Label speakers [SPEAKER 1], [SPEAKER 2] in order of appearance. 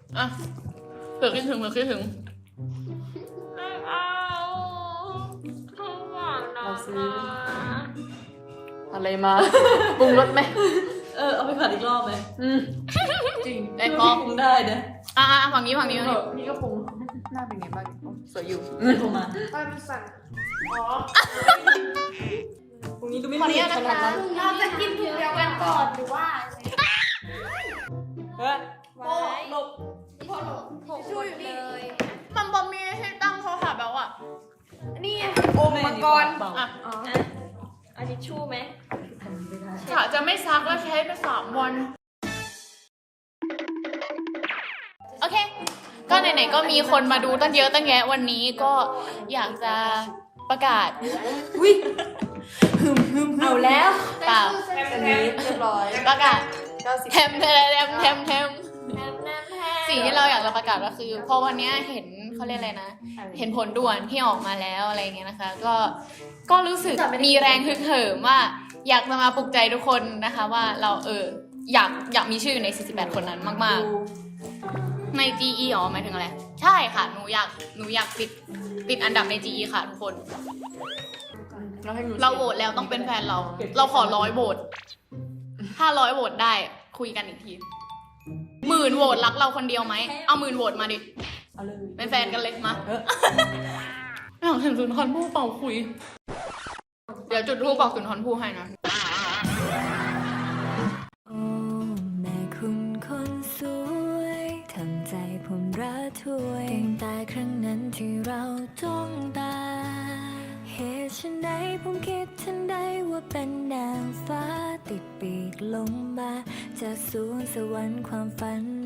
[SPEAKER 1] อ่ะเผื่อคิดถึง
[SPEAKER 2] ไม่เอาทุกอย่างนะ
[SPEAKER 1] เราซื้อ อะไรมาปรุงรสไหม
[SPEAKER 2] เอาไปผัดอีกรอบไหม
[SPEAKER 1] จริงได้พอ
[SPEAKER 2] ปรุงได้นะ
[SPEAKER 1] ฝั่งนี้
[SPEAKER 2] พี่ก็ปรุง
[SPEAKER 1] หน้าเป็นไงบ้างสวยอยู่
[SPEAKER 2] ปรุงมา
[SPEAKER 3] มันสั่น
[SPEAKER 2] ปรุงนี้ก็ไม่มีขนาดนั้น
[SPEAKER 3] เราจะกินถุงเดียวกันก่อนหรือว่า
[SPEAKER 2] เฮ้ย
[SPEAKER 3] โอ้หลบพอหลบช่วยอยู่เลย
[SPEAKER 1] มันบอมีให้ตั้งโทรศัพท์แล้วอ่ะ
[SPEAKER 3] นี่โอมมังกร
[SPEAKER 1] อ่ะ
[SPEAKER 2] อันนี้ชู่ไหม
[SPEAKER 1] กะจะไม่ซักแล้วใช้ไป3 วันโอเค ก็ไหนๆก็มีคนมาดูตั้งเยอะตั้งแยะวันนี้ก็อยากจะประกาศ
[SPEAKER 2] เอาแล้ว
[SPEAKER 1] เปล่า
[SPEAKER 2] อันนี้เรียบร้อย
[SPEAKER 1] ประกาศ
[SPEAKER 2] 90
[SPEAKER 1] แทมสิ่งที่เราอยากจะประกาศก็คือเพราะวันนี้เห็นเขาเรียกอะไรนะ เห็นผลด่วนที่ออกมาแล้วอะไรเงี้ยนะคะ ก็รู้สึกมีแรงฮึกเหิมว่าอยากจะมาปลุกใจทุกคนนะคะว่าเราอยากมีชื่ออยู่ใน48คนนั้นมากๆใน GE อ๋อหมายถึงอะไรใช่ค่ะหนูอยากติดอันดับใน GE ค่ะทุกคนเราโหวตแล้วต้องเป็นแฟนเราขอ100 โหวตถ้า100 โหวตได้คุยกันอีกที10,000 โหวตรักเราคนเดียวไหมเอา10,000 โหวตมาดิ
[SPEAKER 2] เอาเลย
[SPEAKER 1] เป็นแฟนกันเลยมาอยากเห็นสุนทรภู่เป่าคุย เดี๋ยวจุดทูปบอกสุนทรภู่ให้นะ
[SPEAKER 4] โอ้แม่คุณคนสวยทำใจผมระทวยตั้งแต่ครั้งนั้นที่เราจ้องตาเหตุฉันใดผมคิดทันใดว่าเป็นนางฟ้าติดปีกลงมาจากสวงสวรรค์ความฝัน